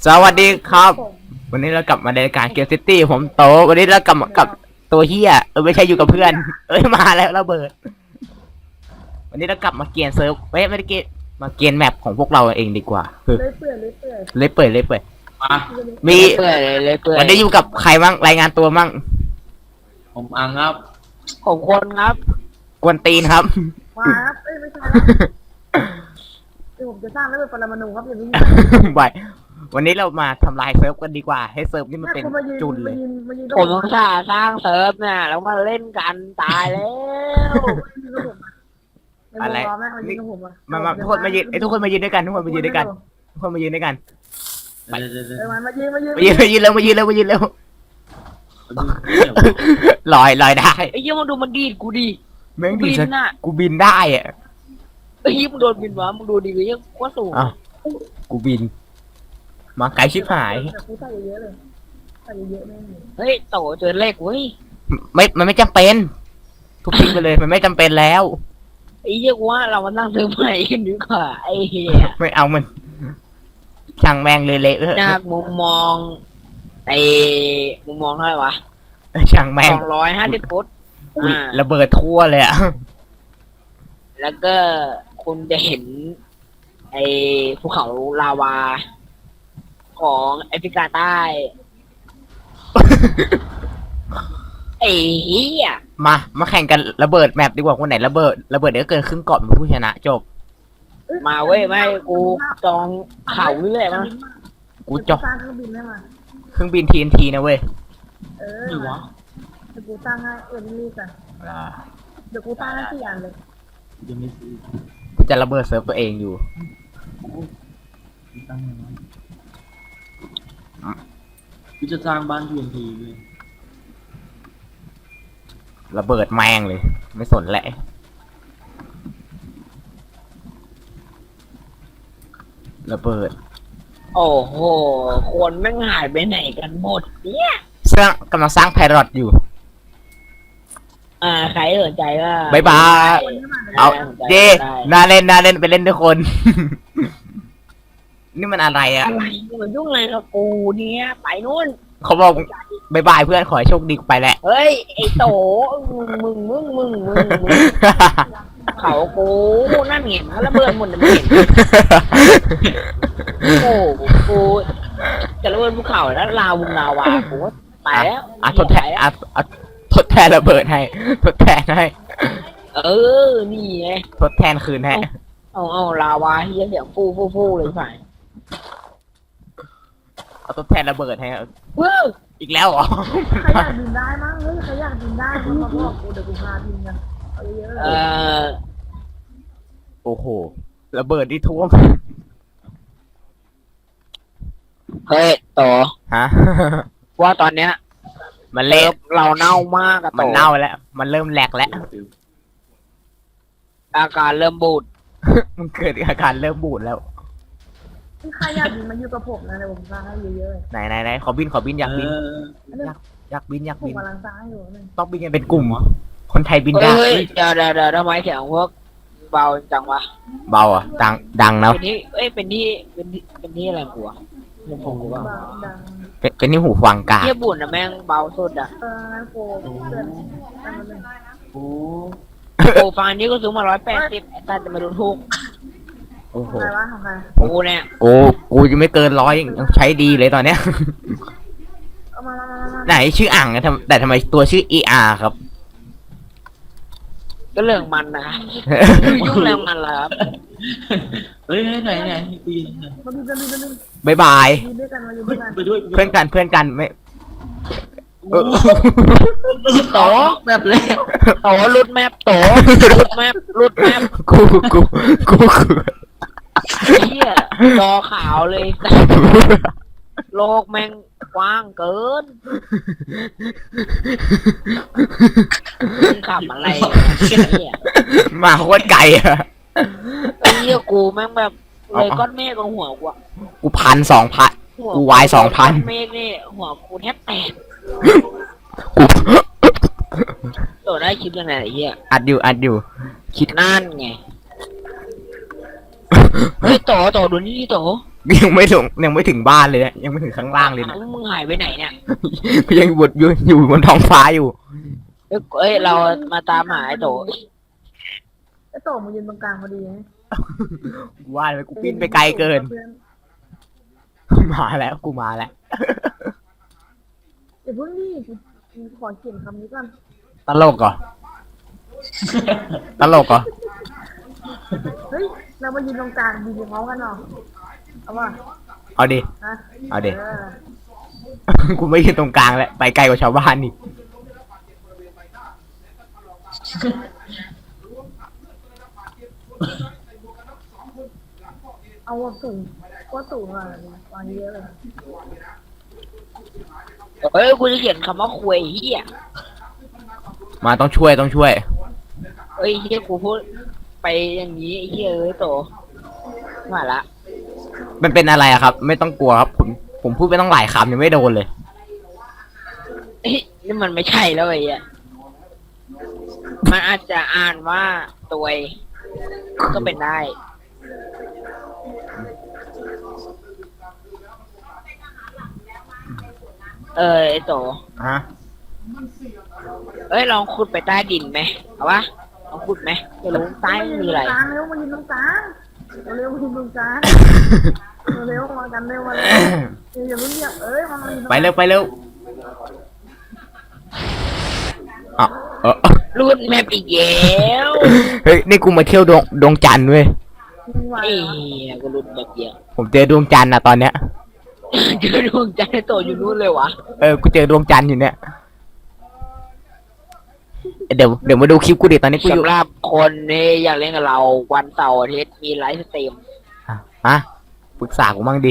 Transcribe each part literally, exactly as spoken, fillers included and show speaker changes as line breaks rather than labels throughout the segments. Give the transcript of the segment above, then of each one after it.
สวัสดีครับ วันนี้เรากลับมาในรายการเกมซิตี้ผมโตวันนี้เรากลับมากับตัวเฮียเออไม่ใช่อยู่กับเพื่อน เอ้ยมาแล้วระเบิด วันนี้เรากลับมาเกียนเซิร์ฟเว้ยไม่ได้เกียนมาเกียนแมปของพวกเราเองดีกว่าคือ
เลยเปื่อยเลยเปื่อย
เลยเปิดเลยเปิด
มา
มี
เปื่อยเลยเลยเปื่อย
วันนี้อยู่กับใครมั่งรายงานตัวมั่ง
ผมอังครับ
ผมคนครับ
กวนตีนครับ
มาครับเอ้ยไม่ใช่ครับเดี๋ยวผมจะสร้างแล้วเป็นปรมาณูครับอย่างนี้
บายวันนี้เรามาทำลายเซิร์ฟกันดีกว่า ให้เซิร์ฟนี่มันเป็น
คุณมายืน
จุนเล
มาย ยืนมายืน
ผมต้องสร้างสร้างเซิร์ฟเนี่ยแล้วมาเล่นกันตายแล้ว
อะไร
แม่มายืนกับผมอะ
มามาทุกคนมายืนไอ้ยทุกคนมายืนด้วยกันทุกคนมายืนด้วยกันทุกคนมายืนด้วยกัน
เดี๋ยวเดี๋ยวเดี๋ยว
เออมามายืนมายืน
มายืนมายืนเร็วมายืนเร็วมายืนเร็ว
เดี๋ยว
ลอยลอยได้
ไอ้ยี่มึงดูมันดีดกูดิ
แม่ง
บิ
ดี
น
สัก
น่ะ
กูบินได้อะ
ไอ้ยี่มึงโดนบินวะมึงดูดิไอ้ยี่ว่าสูง
อ้าวกูบิน มาไกลชิบหาย
แต่กูใส่เยอะเลยใส่เยอะแม่ง
เฮ้ยโตเจอเลขเว้ย
ไม่มันไม่จำเป็น ทุบทิ้งไปเลยมันไม่จำเป็นแล้ว
ไอ้ยี่ว่าเรามาตั้งเซิร์ฟใหม่กันดีกว่าไอ้เหี้ย
ไม่เอามันช่างแมงเลยเละเถอะ
จากมุมมองไอ้มุมมองเท่าไหร่วะ
ช่างแม
ส
ง
องร้อยห้าสิบฟุต
อุ๊ย
อ่า
ระเบิดทั่วเลยอะ
แล้วก็คุณจะเห็น ไอ้ภูเขาลาวา ของแอฟริกาใต้ ไอ้เหี้ย
มามาแข่งกันระเบิดแมปดีกว่าคนไหนระเบิดระเบิดเดี๋ยวเกินครึ่งเกาะเป็นผู้ชนะจบ
มาเว้ยไม่กูจองเขาเรื่อยมา
กูจบ
สร้างเครื่องบินได้มา
เครื่องบิน ที เอ็น ที นะเว้ย
เออ
นี่วะ
เดี๋ยวกูสร้างให้เออรีบๆกันเดี๋ยวกูสร้างให้สี่อันเลย
ยังไม่ซื้อ
กูจะระเบิดเซิร์ฟตัวเองอยู่
ตั้งยังไงกูจะสร้างบ้านทีเอ็นทีเลย
ระเบิดแมงเลย ไม่สนแหละระเบิด
โอ้โหคนแม่งหายไปไหนกันหมดเนี่ย
สร้างกำลังสร้างไพรอตอยู่
อ่าใครสนใจก็
บายบาย
คนที่มาเลย
เอา
สนใจ
เย่
ได้
น่าเล่นน่าเล่นไปเล่นทุกคน นี่มันอะไรอ่ะ
อะไรมันยุ่งอะไรกับกูเนี่ยไปนู่น
เขาบอกบายบายเพื่อนขอให้โชคดีกูไปแหละ
เฮ้ยไอ้โตมึงมึงมึงมึงมึงมึงเขากูนั่นเห็นแล้วระเบิดหมดเลยไม่เห็นโอ้กูจะระเบิดภูเขาแล้วลาวงลาวากูว่าไปแล้ว
อ่ะทดแทนอ่ะอ่ะทดแทนระเบิดให้ ทดแทนให้
เออนี่ไง
ทดแทนคืนให้
เอาเอาลาวาเฮียเสียงฟูฟูฟูเลยฝ่าย
เอาทดแทนระเบิดให้
ว้าว
อีกแล้วเหรอ
ใครอยากบินได้มั้งเฮ้ยใครอยากบินได้มึงมาบอกกูเดี๋ยวกูพาบินกันเอาเยอะๆเล
เอย อ
โอ้โหระเบิดที่ท่วม
เฮ้ยโต
ฮะ
ว่าตอนเนี้ย
มัน
เลิ
เละ
ฟเราเน่ามากอะโต
มันเน่าแล้ว มันเริ่มแหลกแล้ว
อาการเริ่มบูด
มันเกิดอาการเริ่มบูดแล้ว
ใครอยากบินมาอยู่กับผมนะเดี๋ยวผมสร้างให้เยอะๆเลย
ไหนไหนไหนขอบินขอบินอยากบิน
เออ
อยากบินอยาก
ผม
บิน
กำลังสร้างให้อยู่นึง
ต้องบินกันเป็นกลุ่มเหรอคนไทยบินได้
เฮ้ยเดี๋ยวเดี๋ยวเดี๋ยวทำไมเสียงพวกเบาจังวะ
เบาอ่ะดังดังนะ
เป็นที่เอ้ยเป็นที่เป็นที่เป็นที่อะไรกูอะเป็นผมกูว่า
ดัง
เป็นเป็นที่หูฟังกา
เฮียบุญอะแม่งเบาสุดอะ
เอองั้นโกเพื่อนตั้งมาเลย
โอ้
โอ้ฟังนี้ก็ซื้อมาร้อยแปดสิบแต่จะมาดูถูก
โอ้โห
ใครวะของใคร
กูเนี่ย
โอ้กูยังไม่เกินร้อยยังใช้ดีเลยตอนเนี้ย
เอามามามามา
ไหนชื่ออ่างนะทำแต่ทำไมตัวชื่อ อี อาร์ ครับ
ก็เรื่องมันนะครับยุ่งเรื่องมันเหรอครับ
เฮ้ยไหนไหนกูยิง
มาบินมาบินมาบิน
บายบาย
บินด้วยกันมาอยู่ด้วยกัน
ไปด้วย
เพื่อนกันเพื่อนกันไม่เออ
โต
แบบเลย
โตรุดแมปโตรุดแมปรุดแมป
กูกูกูกู
เฮียจอขาวเลยโลกแม่งกว้างเกินมึงขับอะไรเนี่ย
มาโคตรไกลอ่ะ
ไอ้เหี้ยกูแม่งแบบเลยก้อนเมฆกับหัวกูอะ
กูพันสองพัน
หัว
กูวายสองพัน
ก้เมฆนี่หัวกูแทบแตก
กู
ตัวได้คลิปยังไงไอ้เหี้ย
อัดอยู่อัดอยู่ คิด
นั่นไงเฮ้ยโตโตดูนี่ดิโต
ยังไม่ถึงยังไม่ถึงบ้านเลยนะยังไม่ถึงข้างล่างเลยนะ
มึงหายไปไหนเนี่ย
ยังบดอยู่อยู่บนท้องฟ้าอยู่
เอ้ยเอ้ยเรามาตามหาไอ้โต
ไอ้โตมายืนตรงกลางพอดีไง
ว่าเลยกูปิ้นไปไกลเกิน มาแล้วกูมาแล้ว
เดี๋ยวเพิ่งนี่กูขอเขียนคำนี้ก่อน
ตลกเหรอ ตลกเหรอ
เฮ้ยเรามายืนตรงกลางยืนพร้อมกันเนาะเอาว่า
เอาดิ
ฮะ
เอาดิ
เออ
กูไม่ยืนตรงกลางแล้วไปไกลกว่าชาวบ้านนี่
เอาว่าสูงว่าสูงอ่ะวางเยอะเลย
เอ้ยกูจะเขียนคำว่าคุยเฮีย
มาต้องช่วยต้องช่วย
เอ้ยเฮียกูพูดไปอย่างนี้ไอ้เฮียเอ้ยโตมาละ
มันเป็นอะไรอะครับ ไม่ต้องกลัวครับ ผมผมพูดไปต้องหลายคำยังไม่โดนเลย
เอ้ยนี่มันไม่ใช่แล้วไอ้เหี้ยมันอาจจะอ่านว่าตัวเองก็เป็นได้ เออไอโต
ฮะ
เอ้ยลองขุดไปใต้ดินไหมเอาวะลองขุดไหมจะรู้ใต้มันมีอะไร
กลางเร็วมายืนตรงกลางเร็วมายืนตรงกลางเร็วมากันเร็วมาเลยอย่าเพิ่งเรียกเอ้ยมามายืนตรงก
ไป
ลาง
เร็วไปเร็วอ่ะเออ
รูดแมปอีกแล้ว
เฮ้ยนี่กูมาเที่ยวดวงดวงจันทร์เว้ย
มึงไหว
เอ้ย
เหรอ
กูรูดแบบเดียว
ผมเจอดวงจันทร์นะตอนเนี้ย
เจอดวงจันทร์ไอ้โตอยู่นู่นเลยวะ
เออ กูเจอดวงจันทร์อยู่เนี่ย เดี๋ยวเดี๋ยวมาดูคลิปกูดิตอนนี้กูอยู่
สำหรับคนที่อยากเล่นกับเราวันเสาร์อาทิตย์มีไลฟ์สตรีม
อ่ะฮะปรึกษากูบ้างดิ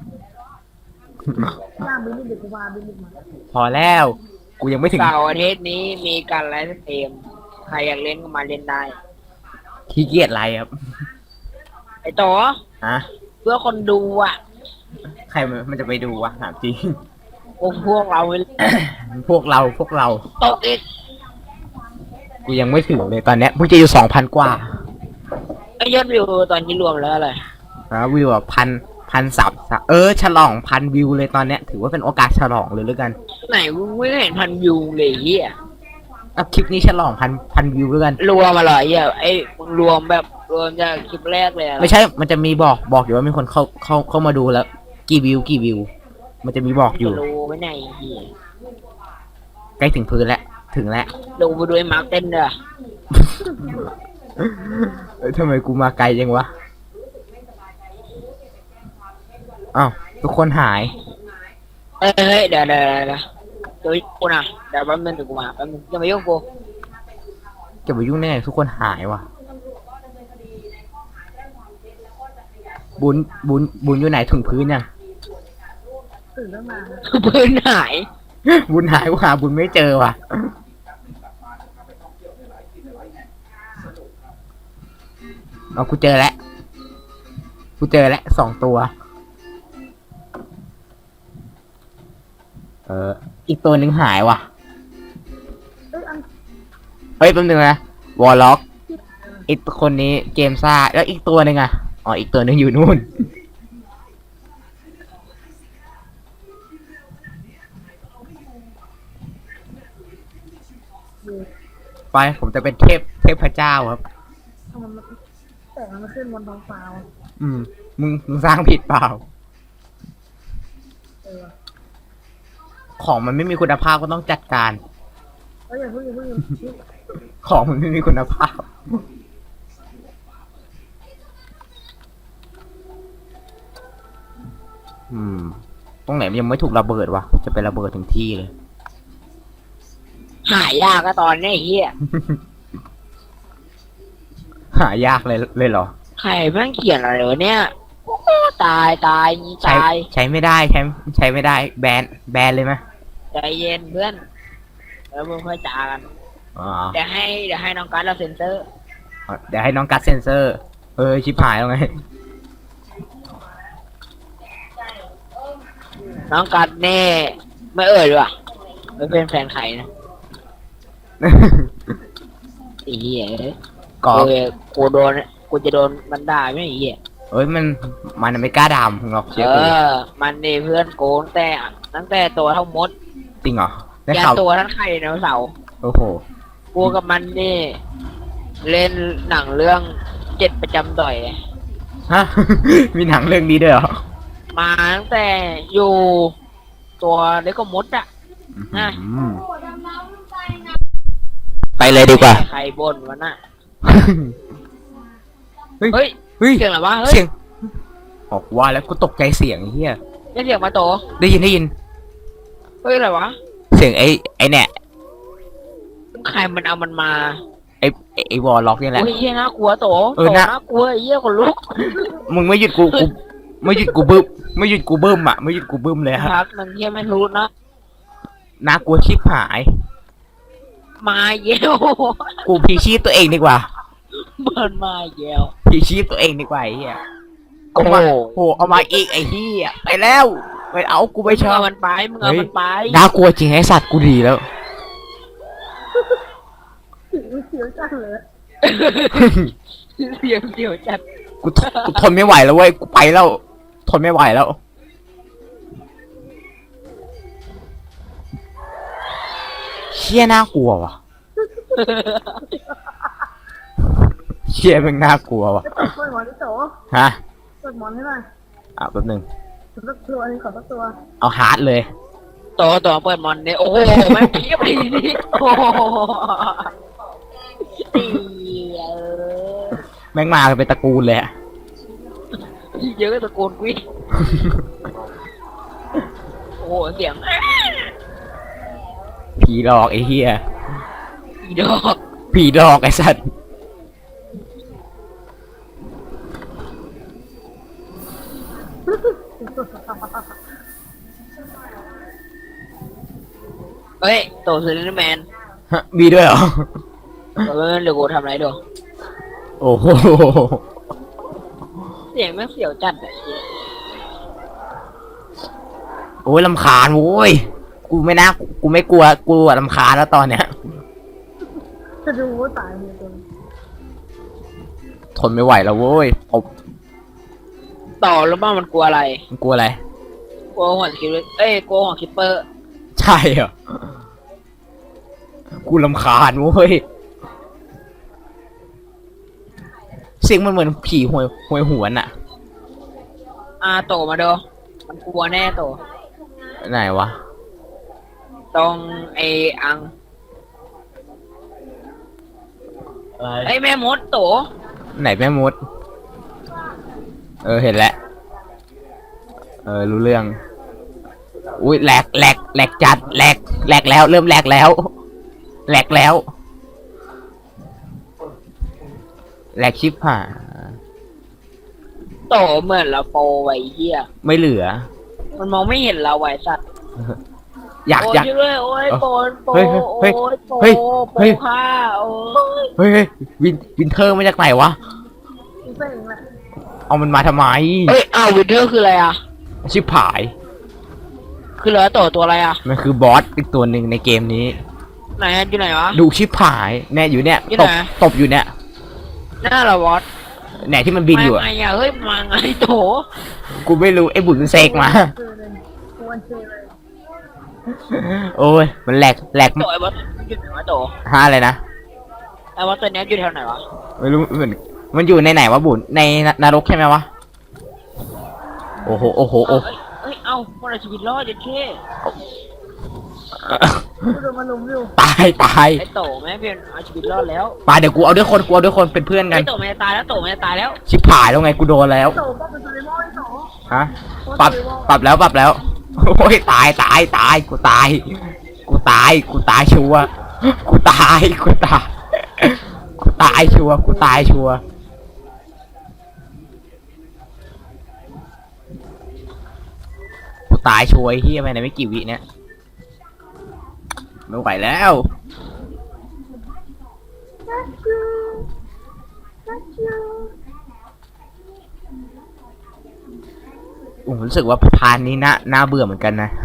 ย่างบินนี่เด็กกูมาบินนี่มา
พอแล้ว กูยังไม่ถึง
เสาร์อาทิตย์นี้มีการไลฟ์สตรีมใครอยากเล่นก็มาเล่นได้
ขี้เกียจอะไรครับ
ไอ้โต
ฮะ
เพื่อคนดูอ่ะ
ใครมันมันจะไปดูวะถามจริง
พวกพวกเรา
พวกเราพวกเรา
ตกอีก
กูยังไม่ถึงเลยตอนเนี้ยเพิ่งจะอยู่สองพันกว่า
ไอ้ยอดวิวตอนนี้รวมแล้วอะไร
นะวิวแบบพันพันสับเออฉลองพันวิวเลยตอนเนี้ยถือว่าเป็นโอกาสฉลองเลยแล้วกัน
ไหนกูไม่เห็นพันวิวเลยเฮีย
เอาคลิปนี้ฉลองพันพันวิวแล้วกัน
รวมมาเหรอเฮียไอ้มึงรวมแบบรวมจากคลิปแรกเลยอะ
ไม่ใช่ มันจะมีบอกบอกอยู่ว่ามีคนเข้าเข้าเข้ามาดูแล้ว กี่วิวกี่วิว มันจะมีบอกอยู่
จะรู้ไหมไหนเฮีย
ใกล้ถึงพื้นแล้วถึงแล้ว
ดูไปด้วยมาร์คเต้นเด้อ
เอ้ยทำไมกูมาไกลจังวะอ้าวทุกคนหาย
เอ้ยเฮ้ยเดี๋ยวเดี๋ยวเดี๋ยวเดี๋ยวเดี๋ยวกูนะเดี๋ยวแป๊บนึงเดี๋ยวกูมาแป๊บนึงจะมายุ่งกู
จะไปยุ่งได้ไงทุกคนหายว่ะ บุญบุญบุญอยู่ไหนถึงพื้นยัง
ตื่นแล้วมา
พื้นหาย
บุญหายว่าบุญไม่เจอว่ะ เอากูเจอแล้ว กูเจอแล้วสองตัว เออ อีกตัวหนึ่งหายว่ะ
เอ้ยอัน
เฮ้ยแป๊บนึงนะ วอลล็อก อีกคนนี้เกมซ่า แล้วอีกตัวหนึ่งอ่ะ อ๋อ อีกตัวหนึ่งอยู่นู่น ไป ผมจะเป็นเทพ เทพเจ้าครับ
ทำไมมันแต่มันไม่ขึ้นบนท้องฟ้าวะ
อืม มึง มึงสร้างผิดเปล่า
เออ
ของมันไม่มีคุณภาพก็ต้องจัดการ
เอ้ยอย่าเพิ่งอย่าเพิ่งอย่าเพิ่ง
ของมันไม่มีคุณภาพ อืม ตรงไหนมันยังไม่ถูกระเบิดวะ จะไประเบิดถึงที่เลย
หายยากก็ตอนนี้ไอ้เฮีย
หายากเลยเลยเหรอ
ใครแม่งเขียนอะไรวะเนี่ยโอ้โหตายตายนี่
ใช้
ตาย
ใช้ไม่ได้ใช้ใช้ไม่ได้ แบนแบนเลยไหม
ใจเย็นเพื่อนแล้วมึงค่อยจากัน
อ๋อ
เดี๋ยวให้เดี๋ยวให้น้องการดเราเซ็นเซอร์
เดี๋ยวให้น้องกัดเซนเซอร์ เออ ชิบหายแล้วไง
น้องการดแน่ไม่เอ่ยด้วยไม่เป็นแฟนใครนะไอ้เหี้ย
กอ
กูกูโดนกูจะโดนมันด่าไหมไอ้เหี้ย
อเอ้ยมันมันไม่กล้าดามหรอกเชื่อ
เอ
กู
อ มันนี่เพื่อนโกงแต่ตั้งแต่ตัวเท่ามด
จริงเหรอได้
ยัน
ข่าว
ตัวทั้งไข่ไดโนเสาร์
โอ้โห
กูกับมันนี่ เล่นหนังเรื่องเจ็ดประจำต่อย
ฮะ มีหนังเรื่องนี้ด้วยเหรอ
มาตั้งแต่อยู่ตัวเล็กก็มดอะ อ่ะ
อืมไปเลยดีกว่า
ใครบ่นวะน่ะ
เฮ้ย
เฮ้ย
เฮ้ย
เสียงอะไรวะเฮ้ย
เสียงบอกว่าแล้วกูตกใจเสียงไอ้เฮีย
นี่เสียงมาโต
ได้ยินได้ยิน
เฮ้ยอะไรวะ
เสียงไอ้ไอ้เนี่ย
ใครมันเอามันมา
ไอ้ไอ้ไอ้วอลล็อกนี่แหละ
โอ้ยเฮียน่ากลัวโต
เออ
โต
น่า
น่ากลัวไอ้เหี้ยคนลุก
มึงไม่หยุดกูกูไม่หยุดกูบึ้มไม่หยุดกูบึ้มอ่ะไม่หยุดกูบึ้มเลยฮะ
พักหนึ่งเฮียไม่รู้นะ
น่ากลัวชิบหาย
มาเยี่ยว
กูพีชีพตัวเองดีกว่า
เบิร์นมาเยี่ยว
พีชีพตัวเองดีกว่าไอ้เหี้ยเอามาโหเอามาอีกไอ้เหี้ยไปแล้วไปเอากูไม่ช
มึง
อบ
เอามันไปมึงเอามันไป
น่ากลัวจริงไอ้สัตว์กูดีแล้ว
เสียวจังเลย
เสียงเสียวจัด
กูทนกูทนไม่ไหวแล้วเว้ยกูไปแล้ว ทนไม่ไหวแล้วเชี่ยน่ากลัวว่ะเชี่ยแม่งน่ากลัวว่ะ
จะเปิดหมอนที่โต
ฮะ
เปิดหมอนให้หน่อย
อ่ะแป๊บหนึง
ขอสักตัวนี่ขอสักตัว
เอาฮาร์ดเลย
โตโตเปิดมอนเนี่ยโอ้โหแม่งเพียบเลยนี่โอ้โหเสีย
แม่งมากันเป็นตระกูลเลยอะ
เยอะตะโกนกุ้ยโอ้โหเสียง
ผีหลอกไอ้เหี้ย
อีดอก
ผีหลอกไอ้สัตว์
เฮ้ยโตเซเลนแมน
ฮะมีด้วยเหรอ
เออเดี๋ยวกูทำอะไรดู
โอ้โห
เสียงแม่งเสียวจัดอะ
โอ้ยลำคาญโว้ย กูไม่น่า กูไม่กลัว กูอะลำคาญแล้วตอนเนี้ย
จะดูว่าตายเลยตัว
ทนไม่ไหวแล้วเว้ยผม
ต่อแล้วบ้างมันกลัวอะไร
มันกลัวอะไร
กลัวหัวคิปเปอร์เอ้ยกลัวหัวคิปเปอร์
ใช่เหรอ กูลำคาญเว้ย เสียงมันเหมือนผีหวยหวยหวนอะ
อ่าโตมาดูมันกลัวแน่โต
ไหนวะ
ตรงไอ้อัง
อะไร
ไอ้แม่มดโต
ไหนแม่มด เออเห็นแล้ว เออรู้เรื่อง อุ้ยแหลกแหลกแหลกจัดแหลกแหลกแล้ว เริ่มแหลกแล้วแหลกแล้วแหลกชิบหาย
โตเหมือนเราโปรไว้เหี้ย
ไม่เหลือ
มันมองไม่เห็นเราไว้สัตว์
อยาก
โอ้
อย าก
ช่วยด้วยโอ้ยโปนโป
เฮ้ยเฮ้
โอ้
ย
ยโป
เฮ้ย
โป
เฮ้ย
ค่าโอ้ย
เฮ้ยเฮ้ยวินวินเทอร์มาจากไหนวะ
กูเซ็งแหละ
เอามันมาทำไม
เฮ้ยอ้าววินเทอร์คืออะไรอ่ะ
ชิบหาย
คือเหลือโตตัวอะไรอ่ะ
มันคือบอสอีกตัวหนึ่งในเกมนี้
ไหนอะอยู่ไหนวะ
ดูชิบหายเนี่ยอยู่เนี่ย
อยู่
ต
ไหน
บตบอยู่เนี่ย
หน้าเราวอต
เนี่ยที่มันบินอยู่
มา
อะ
ไงอ่ะเฮ้ยมาไงโต
กูไม่รู้ไอ้บุญมันเสกมา
เจอเลยกวนเจอเลย
โอ้ยมันแหลกแหลก
โตไอ้วอตอยู่ไหนวะโต
ห้าอะไรนะ
ไอ้วอตตัวเนี้ยอยู่แถวไหนวะ
ไม่รู้เหมือนมันอยู่ในไหนวะบุญในนรกใช่ไหมวะโอ้โหโอ้โหโอ้
เอ้ยเอ้ยเอ้าคนเอาชีวิตรอดจะเท่
กูโดนมาลุมอยู่
ตายตาย
ไอ้โตแม่เพียนเอาชีวิตรอดแล้ว
มาเดี๋ยวกูเอาด้วยคนกูเอาด้วยคนเป็นเพื่อนกั
ไอ้
น
โตมันจะตายแล้วโตมันจะตายแล้ว
ชิบหายแล้วไงกูโดนแล้ว
โตป้องเป็นตัวเลมอนไอ้โต
ฮะปรับปรับแล้วปรับแล้วโอ้ยตายตายตายกูตายกูตายกูตายชัวร์กูตายกูตายกูตายชัวร์กูตายชัวร์กูตายชัวร์ไอ้เฮียไปไหนไม่กี่วิเนี่ยไม่ไหวแล้ว
นักจูนักจู
ผมรู้สึกว่าพานนี้น่าน่าเบื่อเหมือนกันนะ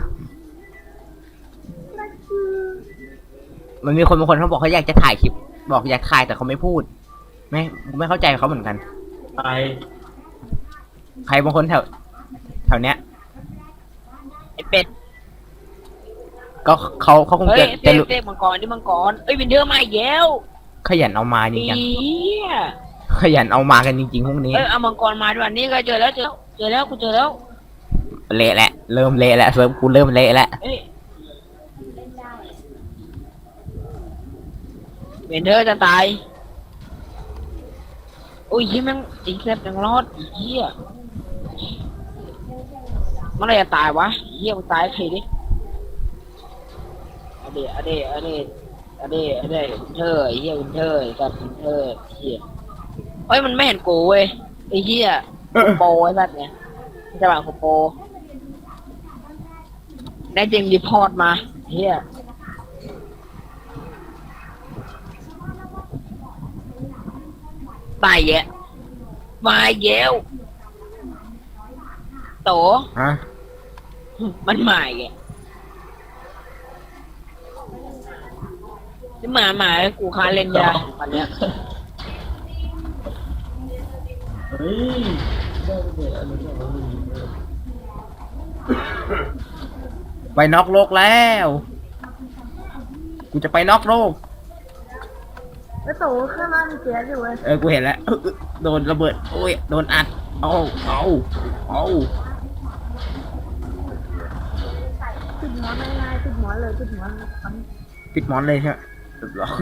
นักจู
มันมีคนบางคนเขาบอกเขาอยากจะถ่ายคลิป บอกอยากถ่ายแต่เขาไม่พูด ไม่ไม่เข้าใจเขาเหมือนกัน
ไป
ใครบางคนแถวแถวเนี้ย
ไอ้เป็ด
ก็เขาเขาคง
เฮ้ย
จะ
เซ
จะ
ก
รู้
เซกมังกรนี่มังกรเอ้ยวินเทอร์มาอีกแล้ว
ขยันเอามาจ
เฮี
ริง
ย
ๆขยันเอามากันจริงๆพวกนี้
เอ้ยเอามังกรมาด้วยอันนี้ก็เจอแล้วเจอแล้วเจอแล้วกูเจอแล้ว
เละแหละเริ่มเละแล้วเซิร์ฟกูเริ่มเละแล้ว
เอ้ยวินเทอร์จะตายโอ้ยยี่แม่งอีกแซ่บยังรอดอีเหี้ยเมื่อไหรจะตายวะเหี้ยมึงตายทีดิอะเดอะเดอะเดอะเดอะเดวินเทอร์ไอ้เหี้ยวินเทอร์กับวินเทอร์เหี้ยเฮ้ยมันไม่เห็นกูเว้ยไอ้เหี้ยโปรไอ้สัตว์เนี่ยจะบอกกูโปรได้จริงรีพอร์ตมาเหี้ยตายแยะมาเย้วโต
ฮะ
มันหมายแกนี่หมาหมากูค้าเล่นยาวันเนี้ย
เฮ้ยได้ไปเด็ดอะไรแบบนี้
ไปนอกโลกแล้วกูจะไปนอกโลก
ไอ้โตข้างล่างมีแก๊สอยู่เว้ย
เออกูเห็นแล้วเออโดนระเบิดโอ้ยโดนอัดเอาเอาเอา
ติดหมอนง่ายๆติดหมอนเลยติดหมอนมัน
ปิดมอนเลยใช่ไหมเรียบร้อย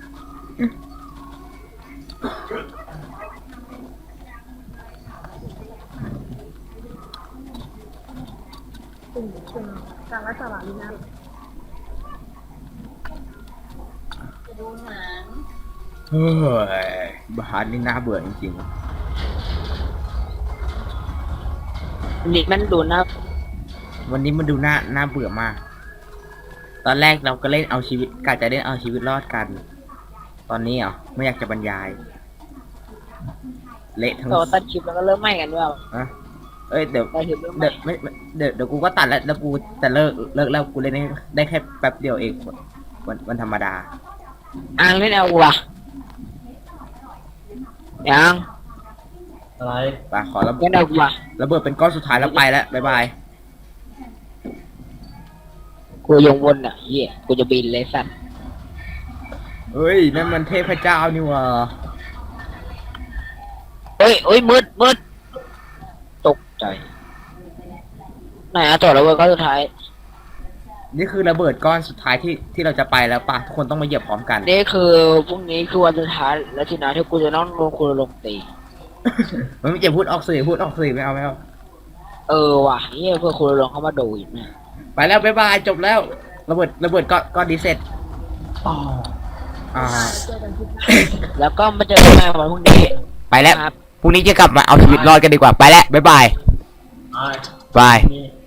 ติ่งติ่งกลางรัฐบาลนี่นะ
เฮ้ยบาร์นี่น่าเบื่อจริง
นี่มันดูนะ
ๆวันนี้มันดูน่าน่าเบื่อมาก ตอนแรกเราก็เล่นเอาชีวิตกะจะเล่นเอาชีวิตรอดกัน ตอนนี้เหรอไม่อยากจะบรรยาย เละทั้ง
โตตัดคลิปแล้วก็เริ่มไหม้กันด้วย
อะเอ้ยเดี๋ยว
ตัดคลิปเริ่มไหม้
เดี๋ยวไม่ไม่เดี๋ยวเดี๋ยวกูก็ตัดแล้วแล้วกูจะเลิกเลิกแล้วกูเล่นได้ได้แค่แป๊บเดียวเองวันวันธรรมดา
อ่างเล่นเอากูอะยัง
อะไร
ไปขอระเบิ
เล่
ด
นเอากูอะ
ระเบิดเป็นก้อนสุดท้ายแล้วไปแล้วบ๊ายบาย
กูยังวนอ่ะเฮียกูจะบินเลยสัตว์
เฮ้ยนั่นมันเทพเจ้านี่หว่า
เฮ้ยเฮ้ยมืดมืดตกใจไหนอะต่อแล้วเว้ยก็สุดท้าย
นี่คือระเบิดก้อนสุดท้ายที่ที่เราจะไปแล้วป่ะทุกคนต้องมาเหยียบพร้อมกัน
นี่คือพรุ่งนี้คือวันสุดท้ายแล้วทีนะที่กูจะต้องลงคุณลงตี
มันไม่จะพูดออกสื่อพูดออกสื่อไม่เอาไม่เอา
เออว่ะเฮียเพื่อคุณลงเข้ามาดูอีกนะ
ไปแล้วบ๊ายบายจบแล้วระเบิดระเบิดก้อนก้อนดีเสร็จ
อ๋อ
อ่า
เจอกันที่
แล้วก็มาเจอกันใหม่วันพรุ่งนี้
ไปแล้ว
ครับ
พรุ่งนี้จะกลับมาเอาชีวิตรอดกันดีกว่าไปแล้วบ๊ายบาย
ไอ้
บาย
นี่